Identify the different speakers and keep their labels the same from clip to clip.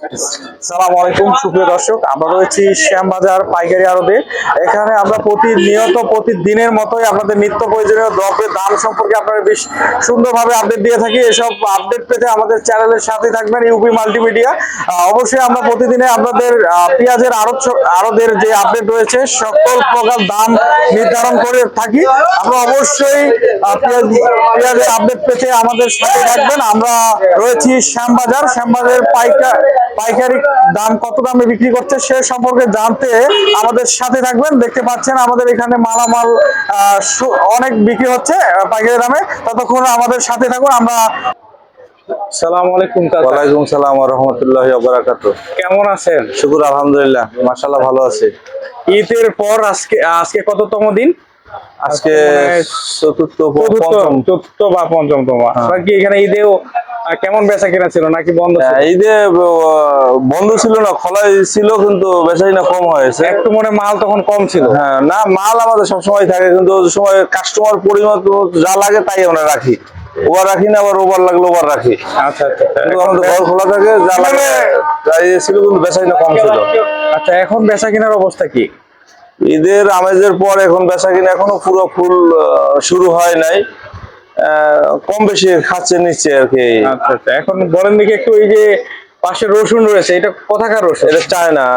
Speaker 1: আসসালামু আলাইকুম সুপ্রিয় দর্শক, আমরা রয়েছি শ্যামবাজার পাইকারি আড়তে। এখানে আমরা প্রতিদিনের মতোই আপনাদের নিত্য প্রয়োজনীয় দ্রব্যের দাম সম্পর্কে আপনারা বেশ সুন্দরভাবে আপডেট দিয়ে থাকি। এসব আপডেট পেতে আমাদের চ্যানেলের সাথে থাকবেন ইউপি মাল্টিমিডিয়া। অবশ্যই আমরা প্রতিদিনে আপনাদের পেঁয়াজের আড়তের যে আপডেট রয়েছে সকল প্রকার দাম নির্ধারণ করে থাকি। আমরা অবশ্যই পেঁয়াজের আপডেট পেতে আমাদের সাথে থাকবেন। আমরা রয়েছি শ্যামবাজার পাইকারি দাম কত দামে বিক্রি করছে সে সম্পর্কে জানতে আমাদের সাথে থাকবেন। দেখতে পাচ্ছেন আমাদের এখানে মালামাল অনেক বিক্রি হচ্ছে পাইকারি দামে। ততক্ষণ আমাদের সাথে থাকুন। আমরা আসসালামু আলাইকুম।
Speaker 2: ওয়ালাইকুম সালাম ওয়া রাহমাতুল্লাহি ওয়া বারাকাতুহু।
Speaker 1: কেমন আছেন?
Speaker 2: শুকুর আলহামদুলিল্লাহ, মাশাআল্লাহ ভালো আছি।
Speaker 1: ঈদের পর আজকে কততম দিন?
Speaker 2: আজকে চতুর্থ
Speaker 1: বা পঞ্চমতম। কি এখানে ঈদেও কেমন বেচা কেনা ছিল নাকি বন্ধ?
Speaker 2: ঈদে বন্ধ ছিল না, খোলাই ছিল, কিন্তু বেচাকিনা কম হয়েছে
Speaker 1: একটু। মনে মাল তখন কম ছিল?
Speaker 2: হ্যাঁ, না মাল আমাদের সবসময় থাকে, কিন্তু ওই সময় কাস্টমার পরিমাণ যা লাগে তাই আমরা রাখি। ওভার রাখি না, আবার ওভার লাগলে ওভার রাখি।
Speaker 1: আচ্ছা আচ্ছা।
Speaker 2: কিন্তু আমাদের ঘর খোলা থাকে, যা লাগে তাই ছিল, কিন্তু বেচাকিনা কম ছিল।
Speaker 1: আচ্ছা, এখন বেচা কেনার অবস্থা কি?
Speaker 2: ঈদের আমেজের পর এখন বেচাকিনা এখনো পুরো ফুল শুরু হয় নাই, কম বেশি খাচ্ছে নিচ্ছে আর কি।
Speaker 1: আচ্ছা আচ্ছা। এখন বলেন দেখি একটু, এই যে পাশে রসুন রয়েছে, এটা কোথাকার রসুন?
Speaker 2: এটা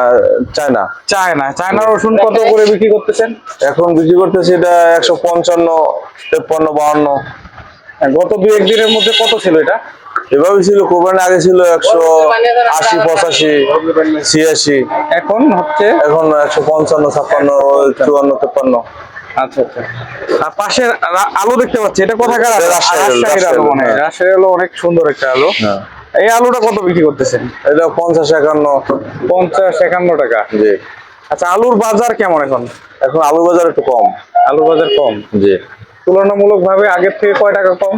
Speaker 2: চায়না
Speaker 1: রসুন কত করে বিক্রি করতেছেন?
Speaker 2: এখন বিক্রি করতেছে এটা 155, 53, 52।
Speaker 1: গত দুই একদিনের মধ্যে কত ছিল এটা?
Speaker 2: এভাবে ছিল, কোরবানির আগে ছিল 180, 85, 86।
Speaker 1: এখন হচ্ছে
Speaker 2: 155, 56, 54, 53।
Speaker 1: আচ্ছা আচ্ছা। আর পাশে আলু দেখতে পাচ্ছি, এটা কোথাকার?
Speaker 2: রাজশাহীর
Speaker 1: আলু মনে হয়। রাজশাহীর আলু অনেক সুন্দর একটা আলু। এই আলুটা কত বিক্রি করতেছেন?
Speaker 2: এটা 50, 51।
Speaker 1: 50, 51 টাকা।
Speaker 2: জি।
Speaker 1: আচ্ছা, আলুর বাজার কেমন এখন?
Speaker 2: এখন আলুর বাজার একটু কম।
Speaker 1: আলুর বাজার কম?
Speaker 2: জি।
Speaker 1: তুলনামূলক ভাবে আগের থেকে কয় টাকা কম?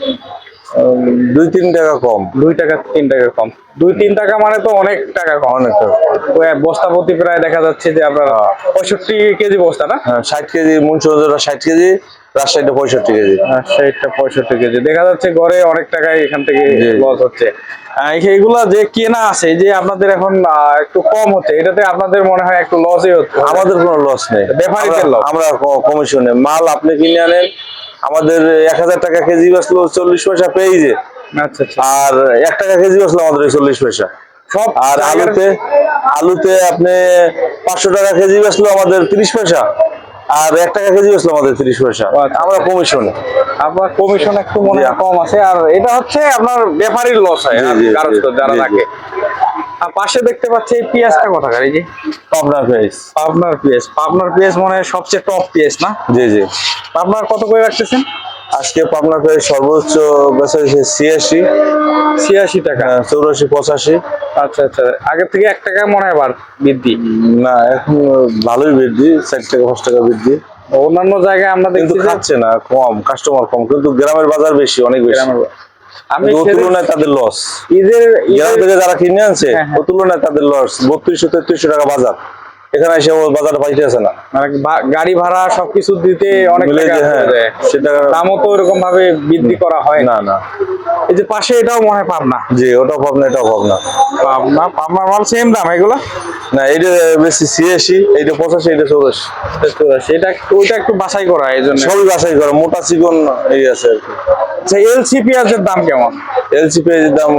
Speaker 2: 2-3 টাকা কম।
Speaker 1: 2 টাকা 3 টাকা কম। 2-3 টাকা মানে তো অনেক টাকা কম।
Speaker 2: অনেক টাকা।
Speaker 1: বস্তা প্রতি প্রায় দেখা যাচ্ছে যে আপনার 65 কেজি বস্তা না?
Speaker 2: হ্যাঁ, 60 কেজি। মুন্সিগঞ্জের 60 কেজি, রাজশাহীতে 65 কেজি।
Speaker 1: সেইটা 65 কেজি। দেখা যাচ্ছে গড়ে অনেক টাকায় এখান থেকে লস হচ্ছে। এইগুলা যে কেনা আছে, যে আপনাদের এখন একটু কম হচ্ছে, এটাতে আপনাদের মনে হয় একটু লসই হচ্ছে?
Speaker 2: আমাদের কোনো লস নেই,
Speaker 1: ব্যাপারীদের লস।
Speaker 2: আমরা কমিশনে মাল আপনি কিনে আনেন, আমাদের 1000 টাকা কেজি বেচলো 40 পয়সা পেয়েছে।
Speaker 1: আচ্ছা আচ্ছা।
Speaker 2: আর 1 টাকা কেজি বেচলো আমাদের 40 পয়সা
Speaker 1: সব।
Speaker 2: আর আলুতে আপনি 500 টাকা কেজি বেচলো আমাদের 30 পয়সা, আর 1 টাকা কেজি বেচলো আমাদের 30 পয়সা। আমরা কমিশনে।
Speaker 1: আপনার কমিশন একটু মনে হয় কম আছে, আর এটা হচ্ছে আপনার ব্যাপারীর লস হয় যারা রাখে। আর পাশে দেখতে পাচ্ছি এই পেঁয়াজটা কোথাকার? এই যে
Speaker 2: পাবনার
Speaker 1: পেঁয়াজ মনে হয় সবচেয়ে টপ পেঁয়াজ না?
Speaker 2: জি জি।
Speaker 1: আপনার কত করে রাখতেছেন
Speaker 2: আজকে পাবনার পেঁয়াজ সর্বোচ্চ বেচা হয়েছে
Speaker 1: 86 টাকা।
Speaker 2: 84, 85।
Speaker 1: আচ্ছা আচ্ছা। আগের থেকে 1 টাকা মনে হয় বৃদ্ধি?
Speaker 2: না, এখন ভালোই বৃদ্ধি, 4 টাকা 5 টাকা বৃদ্ধি।
Speaker 1: অন্যান্য জায়গায় আমরা
Speaker 2: কিন্তু খাচ্ছে না, কম কাস্টমার কম, কিন্তু গ্রামের বাজার বেশি, অনেক বেশি। আমি তুলনায় তাদের লস। গ্রাম থেকে যারা কিনে আনছে ও তুলনায় তাদের লস। 3200-3300 টাকা বাজার, এখানে এসে বাজারে পাইতেছে না।
Speaker 1: গাড়ি ভাড়া সবকিছু দিতে অনেক টাকা।
Speaker 2: সেটা
Speaker 1: দামও তো এরকম ভাবে বৃদ্ধি করা হয়
Speaker 2: না। না,
Speaker 1: এই যে পাশে এটাও মনে হয় পাবনা?
Speaker 2: জি, ওটাও পাবনা, এটাও পাবনা।
Speaker 1: পাবনার মাল সেম দাম এগুলো?
Speaker 2: না, এইটা বেশি 86, এইটা 85, এইটা 84।
Speaker 1: এটা ওইটা একটু বাছাই করা, এই জন্য
Speaker 2: সবই বাছাই করা, মোটা চিকন এই আছে আর কি।
Speaker 1: আচ্ছা, এলসি পেঁয়াজের দাম কেমন?
Speaker 2: এলসি পেঁয়াজের দাম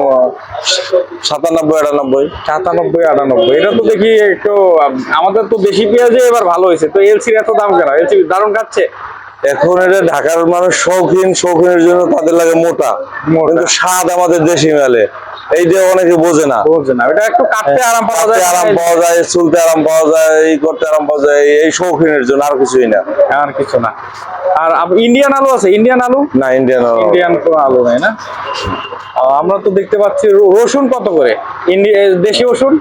Speaker 2: 97, 98।
Speaker 1: এটা তো দেখি একটু, আমাদের তো দেশি পেঁয়াজে এবার ভালো হয়েছে, তো এলসির এত দাম কেন? এলসি দারুণ খাচ্ছে।
Speaker 2: এখন এটা ঢাকার মানুষ শৌখিনের জন্য তাদের লাগে মোটা, কিন্তু স্বাদ আমাদের দেশি মেলে, এইটা অনেকে বোঝে না।
Speaker 1: এটা একটু কাটতে আরাম পাওয়া
Speaker 2: যায়, চুলতে আরাম পাওয়া যায়, এই করতে আরাম পাওয়া যায়, এই শৌখিনের জন্য, আর কিছুই না।
Speaker 1: আর কিছু না। আর ইন্ডিয়ান আলু আছে? ইন্ডিয়ান আলু
Speaker 2: না, ইন্ডিয়ান
Speaker 1: কোনো আলু নেই না। আমরা তো দেখতে পাচ্ছি রসুন কত করে? দেশি রসুন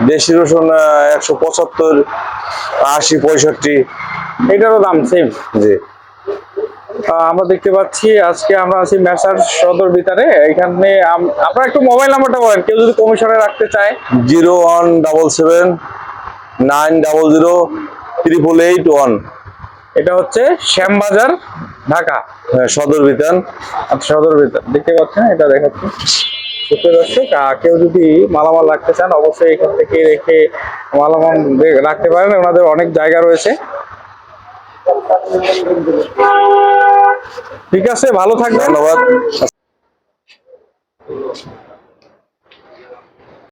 Speaker 2: 175, 80, 65।
Speaker 1: এটারও দাম সেম?
Speaker 2: জি।
Speaker 1: আমরা দেখতে পাচ্ছি আজকে আমরা আছি মেসার সদর ভিতরে। এখানে আপনারা একটু মোবাইল নাম্বারটা বলেন, কেউ যদি কমিশনে রাখতে চায়।
Speaker 2: 01779008881।
Speaker 1: এটা হচ্ছে শ্যামবাজার, ঢাকা।
Speaker 2: সদর বিতান।
Speaker 1: আচ্ছা, সদর ভিতর দেখতে পাচ্ছেন, এটা দেখাচ্ছি। সুপ্রিয় দর্শক, কেউ যদি মালামাল রাখতে চান অবশ্যই এখান থেকে রেখে মালামাল রাখতে পারেন, ওনাদের অনেক জায়গা রয়েছে। ঠিক আছে, ভালো থাকবেন।
Speaker 2: ধন্যবাদ।